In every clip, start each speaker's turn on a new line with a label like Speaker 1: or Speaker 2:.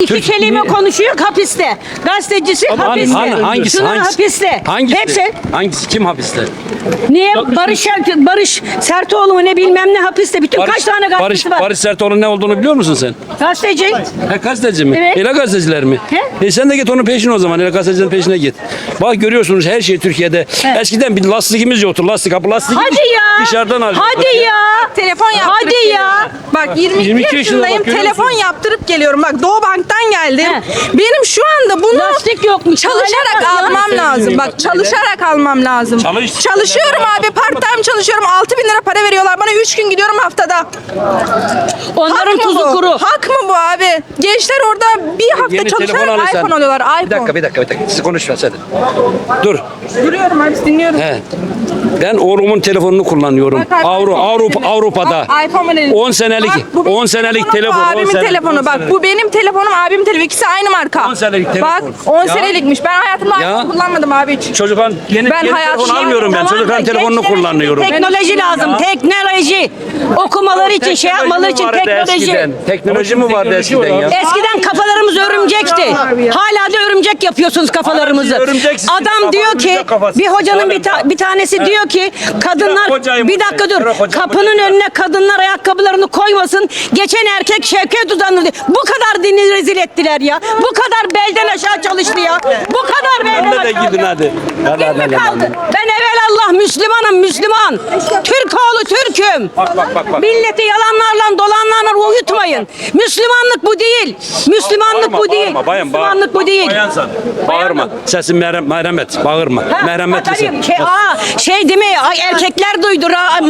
Speaker 1: İki kelime konuşuyor hapiste. Gazetecisi hapiste. Şunun hapiste. Hepsi.
Speaker 2: Hangisi? Kim hapiste?
Speaker 1: Niye? Barış Sertoğlu mu ne bilmem ne hapiste. Bütün kaç tane gazeteci var?
Speaker 2: Barış Sertoğlu'nun ne olduğunu biliyor musun sen?
Speaker 1: Gazeteci.
Speaker 2: Gazeteci mi?
Speaker 1: Evet.
Speaker 2: Ele gazeteciler mi? Sen de git onun peşine o zaman. Ele gazetecilerin peşine git. Bak görüyorsunuz her şey Türkiye'de. Eskiden bir lastikimiz yoktu. Kapı lastiği
Speaker 1: Hadi ya.
Speaker 2: dışarıdan alıyorduk.
Speaker 1: Hadi ya.
Speaker 3: Telefon yaptırıp
Speaker 1: Hadi ya.
Speaker 3: geliyorum. Bak 22 yaşındayım. Telefon yaptırıp geliyorum. Bak Doğu Bank'tan geldim. Benim şu anda bunu
Speaker 1: Lastik yokmuş.
Speaker 3: çalışarak
Speaker 1: Hala
Speaker 3: almam lazım. Bak çalışarak almam lazım. Çalışıyorum abi. Part time çalışıyorum. 6.000 lira para veriyorlar. Bana 3 gün gidiyorum haftada.
Speaker 1: Onların
Speaker 3: Hak mı
Speaker 1: tuzu
Speaker 3: bu?
Speaker 1: kuru.
Speaker 3: Hak mı bu abi? Gençler orada bir hafta
Speaker 2: Yeni telefon
Speaker 3: çalışarak
Speaker 2: alırsan.
Speaker 3: iPhone alıyorlar. iPhone.
Speaker 2: Bir dakika. Siz konuşma sen. Dur.
Speaker 3: Duruyorum abi dinliyorum.
Speaker 2: He. Ben oğlumun telefonunu kullanıyorum.
Speaker 3: Bak,
Speaker 2: Avrupa'da.
Speaker 3: Bak, iPhone verelim.
Speaker 2: 10 senelik.
Speaker 3: Bak, bu benim
Speaker 2: 10 senelik
Speaker 3: telefonum,
Speaker 2: telefon.
Speaker 3: bu abimin telefonu. Bak bu benim telefonum, abimin telefonu. İkisi aynı marka.
Speaker 2: 10 senelik telefon.
Speaker 3: Bak 10
Speaker 2: Ya.
Speaker 3: senelikmiş. Ben hayatımda
Speaker 2: Ya.
Speaker 3: iPhone kullanmadım abi hiç.
Speaker 2: Çocukların yeni
Speaker 3: Ben hayatım-
Speaker 2: telefon almıyorum ben.
Speaker 1: Tamam da
Speaker 2: Çocukların telefonunu
Speaker 1: gençlere
Speaker 2: kullanıyorum.
Speaker 1: Teknoloji lazım. Teknoloji. Okumaları için, şey yapmaları için teknoloji.
Speaker 2: Teknoloji mi vardı eskiden ya?
Speaker 1: Eskiden kafalarımız örümcekti. Hala da örümcek yapıyorsunuz kafalarımızı.
Speaker 2: Örümcek
Speaker 1: Adam diyor ki,
Speaker 2: örümcek kafası.
Speaker 1: bir hocanın bir tanesi diyor ki, kadınlar,
Speaker 2: Hocayım,
Speaker 1: bir dakika dur,
Speaker 2: hocam.
Speaker 1: kapının önüne kadınlar ayakkabılarını koymasın. Geçen erkek Şevket Uzanlı diyor. Bu kadar dini rezil ettiler ya. Bu kadar belden aşağı çalıştı ya. Bu kadar belden
Speaker 2: Önüne de
Speaker 1: aşağı.
Speaker 2: gidin hadi.
Speaker 1: Kim mi kaldı? Ben evelallah Müslümanım, Müslüman. Türk oğlu Türk'üm.
Speaker 2: Bak.
Speaker 1: Milleti yalanlarla dolanlarla uyutmayın. Müslümanlık bu değil. Müslümanlık bu değil. Müslümanlık bu değil.
Speaker 2: Bayansan. Bağırma. Sesin merhamet. Bağırma. Merhametli sen.
Speaker 1: Şey değil mi? Ay, erkekler duydu.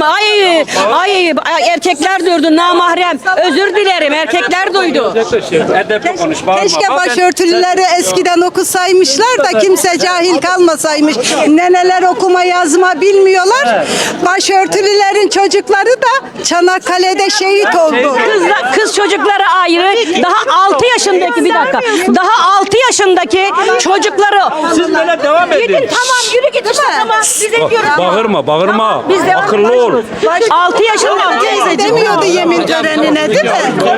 Speaker 1: Ay erkekler duydu. Namahrem. Özür dilerim. Erkekler duydu.
Speaker 2: Edepli konuş. Bağırma.
Speaker 4: Keşke
Speaker 2: Bak,
Speaker 4: başörtüleri eskiden okusaymışlar da kimse cahil kalmasaymış. Neneler okuma yazma bilmiyorlar. Başörtülülerin çocukları da Çanakkale'de şehit oldu.
Speaker 1: Kız çocukları ayrı. Daha 6 yaşındaki bir dakika. Daha 6 yaşındaki çocukları.
Speaker 2: Siz böyle devam edin.
Speaker 1: Gidin tamam yürü git işte tamam. Biz ediyoruz.
Speaker 2: Bağırma.
Speaker 1: Biz devam
Speaker 2: Akıllı ol.
Speaker 1: 6 yaşında
Speaker 4: Teyze demiyordu yemin törenine değil mi?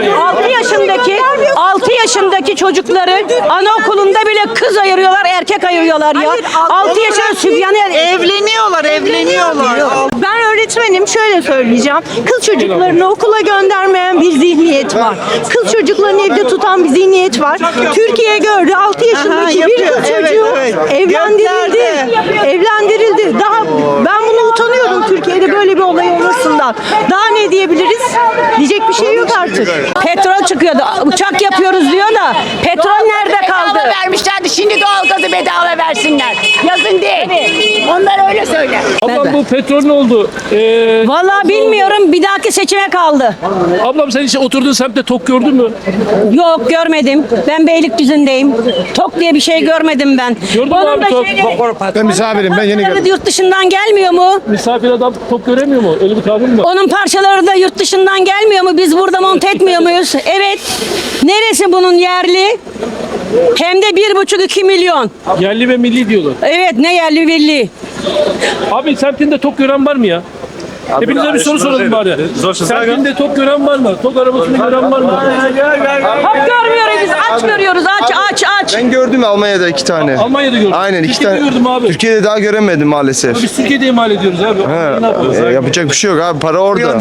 Speaker 1: 6 yaşındaki çocukları anaokulunda bile kız ayırıyorlar, erkek ayırıyorlar ya. 6 yaşında sübyanı
Speaker 5: Evleniyorlar. Ben öğretmenim, şöyle söyleyeceğim. Kız çocuklarını okula göndermeyen bir zihniyet var. Kız çocuklarını evde tutan bir zihniyet var. Türkiye gördü 6 yaşındaki bir kız çocuğu evlendirildi. Daha ben bunu utanıyorum Türkiye'de böyle bir olay olmasından. Daha ne diyebiliriz? Diyecek bir şey yok artık.
Speaker 1: petrol çıkıyordu. Uçak yapıyoruz diyor da petrol nerede kaldı?
Speaker 6: Bedava vermişlerdi. Şimdi doğalgazı bedava versinler. Yazın değil. Onlar öyle söyle.
Speaker 7: Ablam bu petrol ne oldu?
Speaker 1: Vallahi bilmiyorum. Bir dahaki seçime kaldı.
Speaker 7: Ablam sen hiç oturduğun semtte tok gördün mü?
Speaker 1: Yok görmedim. Ben Beylikdüzü'ndeyim. Tok diye bir şey görmedim ben.
Speaker 7: Gördün mü abi tok?
Speaker 8: Ben misafirim, ben yeni geldim.
Speaker 1: Yurt dışından gelmiyor mu?
Speaker 7: Misafir adam tok göremiyor mu? Öyle bir kavram mı?
Speaker 1: Onun parçaları da yurt dışından gelmiyor mu? Biz burada monte etmiyor muyuz? Evet. Neresi bunun yerli? Hem de 1,5-2 milyon.
Speaker 7: Yerli ve milli diyorlar.
Speaker 1: Evet ne yerli milli.
Speaker 7: Abi semtinde tok gören var mı ya? Hepinize bir soru soralım bari. Semtinde tok gören var mı? Tok arabasını gören var mı?
Speaker 1: Hop görmüyoruz biz. Aç görüyoruz. Aç.
Speaker 8: Ben gördüm Almanya'da 2 tane.
Speaker 7: Almanya'da gördüm.
Speaker 8: Aynen 2
Speaker 7: Türkiye'de
Speaker 8: tane.
Speaker 7: gördüm abi.
Speaker 8: Türkiye'de daha göremedim maalesef.
Speaker 7: Biz Türkiye'de imal ediyoruz abi. Ne yapıyoruz?
Speaker 8: Yapacak bir şey yok abi, para orada.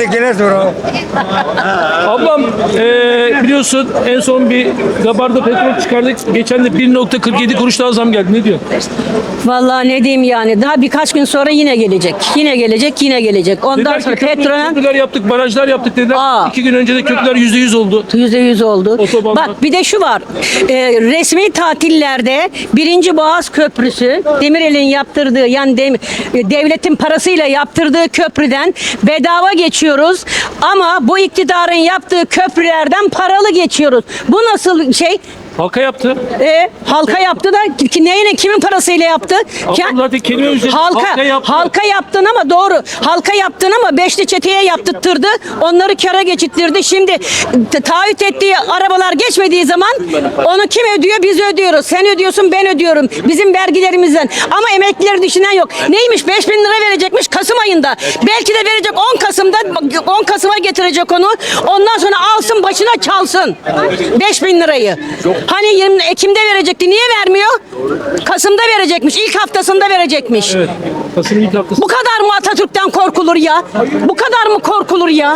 Speaker 7: Ablam biliyorsun en son bir Gabar'da petrol çıkardık. Geçen de 1,47 kuruş daha zam geldi. Ne diyor?
Speaker 1: Vallahi ne diyeyim yani. Daha birkaç gün sonra yine gelecek. Yine gelecek. Ondan
Speaker 7: Dediler
Speaker 1: sonra
Speaker 7: ki
Speaker 1: petrolün
Speaker 7: köprüler yaptık, barajlar yaptık dediler.
Speaker 1: Aa.
Speaker 7: 2 gün önce de köprüler %100 oldu.
Speaker 1: %100 oldu.
Speaker 7: Otobanlar.
Speaker 1: Bak bir de şu var. Resmi tatillerde 1. Boğaz Köprüsü Demirel'in yaptırdığı yani devletin parasıyla yaptırdığı köprüden bedava geçiyoruz. Ama bu iktidarın yaptığı köprülerden paralı geçiyoruz. Bu nasıl şey?
Speaker 7: Halka yaptı.
Speaker 1: Halka yaptı da kimin parasıyla yaptı?
Speaker 7: Ablam zaten kelime üzerinde halka yaptı.
Speaker 1: Halka yaptın ama doğru. Halka yaptın ama beşli çeteye yaptırttırdı. Onları kâra geçittirdi. Şimdi taahhüt ettiği arabalar geçmediği zaman onu kim ödüyor? Biz ödüyoruz. Sen ödüyorsun, ben ödüyorum. Bizim vergilerimizden. Ama emeklileri düşünen yok. Neymiş? 5.000 lira verecekmiş Kasım ayında. Belki de verecek 10 Kasım'da 10 Kasım'a getirecek onu. Ondan sonra alsın başına çalsın. 5.000 lirayı. Hani 20 Ekim'de verecekti. Niye vermiyor? Kasım'da verecekmiş. İlk haftasında verecekmiş.
Speaker 7: Evet. Kasım'ın ilk haftası.
Speaker 1: Bu kadar mı Atatürk'ten korkulur ya? Bu kadar mı korkulur ya?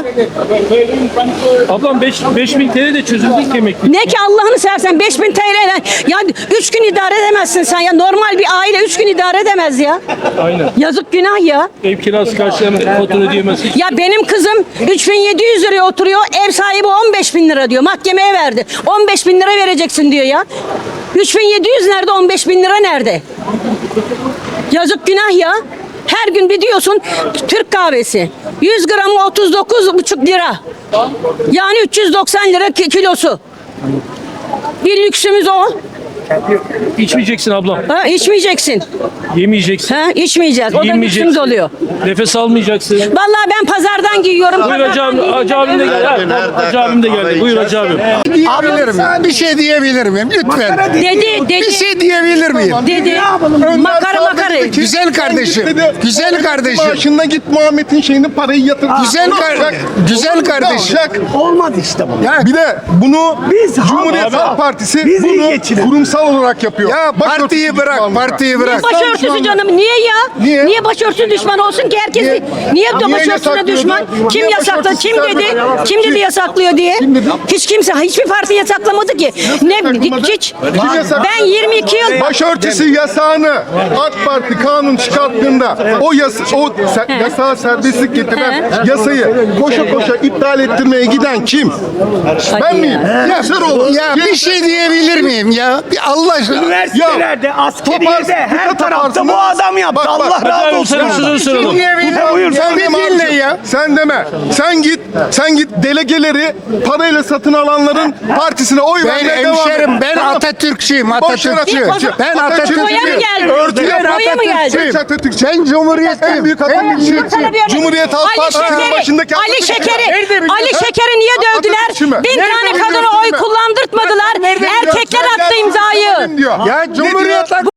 Speaker 7: Ablam 5000 TL de çözüldük emekli.
Speaker 1: Ne ki Allah'ını seversen 5000 TL ya 3 gün idare edemezsin sen ya. Normal bir aile 3 gün idare edemez ya.
Speaker 7: Aynen.
Speaker 1: Yazık günah ya.
Speaker 7: Ev kirası karşılayan fatura ödeyemezsin.
Speaker 1: Ya benim kızım 3700 liraya oturuyor. Ev sahibi 15.000 lira diyor. Mahkemeye verdi. 15.000 lira vereceksin diyor ya. 3700 nerede? 15.000 lira nerede? Yazık günah ya. Her gün bir diyorsun Türk kahvesi. 100 gramı 39,5 lira. Yani 390 lira kilosu. Bir lüksümüz o.
Speaker 7: İçmeyeceksin ablam.
Speaker 1: Ha, içmeyeceksin.
Speaker 7: Yemeyeceksin.
Speaker 1: Ha, içmeyeceğiz. O da
Speaker 7: Giyinmeyeceksin.
Speaker 1: lüksümüz oluyor.
Speaker 7: Nefes almayacaksın.
Speaker 1: Vallahi ben pazardan giyiyorum.
Speaker 7: Buyur Hacı abim. Hacı abim de geldi. Hacı abim de geldi. Buyur Hacı abim.
Speaker 9: Bir şey diyebilir miyim? Lütfen.
Speaker 1: Dedi.
Speaker 9: Bir şey diyebilir miyim?
Speaker 1: Dedi. Makara.
Speaker 9: Güzel kardeşim. Güzel kardeşim.
Speaker 8: Maaşına git Muhammed'in şeyini parayı yatır.
Speaker 9: Güzel kardeşim.
Speaker 10: Olmadı işte bu.
Speaker 8: Bir de bunu Cumhuriyet
Speaker 7: Abi.
Speaker 8: Halk Partisi
Speaker 10: Biz iyi
Speaker 8: bunu
Speaker 10: geçinelim.
Speaker 8: kurumsal olarak yapıyor.
Speaker 9: Ya partiyi bırak, partiyi bırak.
Speaker 1: Başörtüsü canım. Niye ya?
Speaker 8: Niye?
Speaker 1: Niye başörtüsü düşman olsun ki herkes? Niye
Speaker 8: Niye
Speaker 1: başörtüsüne
Speaker 8: yasaklıyordu?
Speaker 1: düşman? Kim
Speaker 8: Niye
Speaker 1: yasakladı?
Speaker 8: başörtüsü
Speaker 1: Kim dedi?
Speaker 8: sermedi?
Speaker 1: Kim dedi yasaklıyor diye?
Speaker 8: Kim dedi?
Speaker 1: Hiç kimse, hiçbir parti yasaklamadı ki. Ne hiç.
Speaker 8: Kim yasakladı?
Speaker 1: Ben 22 yıl
Speaker 8: Başörtüsü yasağını AK Parti kanun çıkarttığında yasağa serbestlik getiren yasayı koşa koşa iptal ettirmeye giden kim? Ben miyim? Yaşaroğlu.
Speaker 9: Ya bir şey diyebilir miyim ya? Bir Allah aşkına.
Speaker 10: Üniversitelerde, askeriyede, her tarafta bu adam yaptı.
Speaker 8: Bak,
Speaker 10: Allah
Speaker 7: Hacı
Speaker 10: razı
Speaker 7: abim
Speaker 10: olsun.
Speaker 7: sana bir sözünü soralım.
Speaker 10: Buyur.
Speaker 8: Sen
Speaker 9: Bir
Speaker 8: deme
Speaker 9: dinle
Speaker 8: abicim.
Speaker 9: ya.
Speaker 8: Sen deme. Sen git delegeleri parayla satın alanların partisine oy
Speaker 9: Ben
Speaker 8: vermeye devam et.
Speaker 9: hemşerim, ben
Speaker 8: Tamam.
Speaker 9: Atatürkçüyüm,
Speaker 8: Boş ver
Speaker 9: Atatürkçü.
Speaker 8: Atatürk'ü.
Speaker 9: Ben
Speaker 1: Boya mı
Speaker 9: Atatürkçüyüm.
Speaker 1: geldi?
Speaker 8: Örtüyen
Speaker 1: Boya mı geldi?
Speaker 8: Atatürkçü.
Speaker 9: Ben Cumhuriyet'im.
Speaker 8: En büyük Atatürkçü. Cumhuriyet Halk
Speaker 1: Ali
Speaker 8: Partisi'nin
Speaker 1: Şeker'i,
Speaker 8: başındaki
Speaker 1: Ali
Speaker 8: Atatürkçü.
Speaker 1: Şeker'i, Ali Şeker'i niye
Speaker 8: Atatürkçü mü?
Speaker 1: dövdüler? 1000 tane
Speaker 8: Nerede
Speaker 1: kadına oy
Speaker 8: biliyorsun?
Speaker 1: kullandırtmadılar.
Speaker 8: Nerede
Speaker 1: Erkekler
Speaker 8: biliyorsun?
Speaker 1: attı imzayı.
Speaker 8: Diyor.
Speaker 9: Ya
Speaker 8: Ne
Speaker 9: Cumhuriyet
Speaker 8: diyor?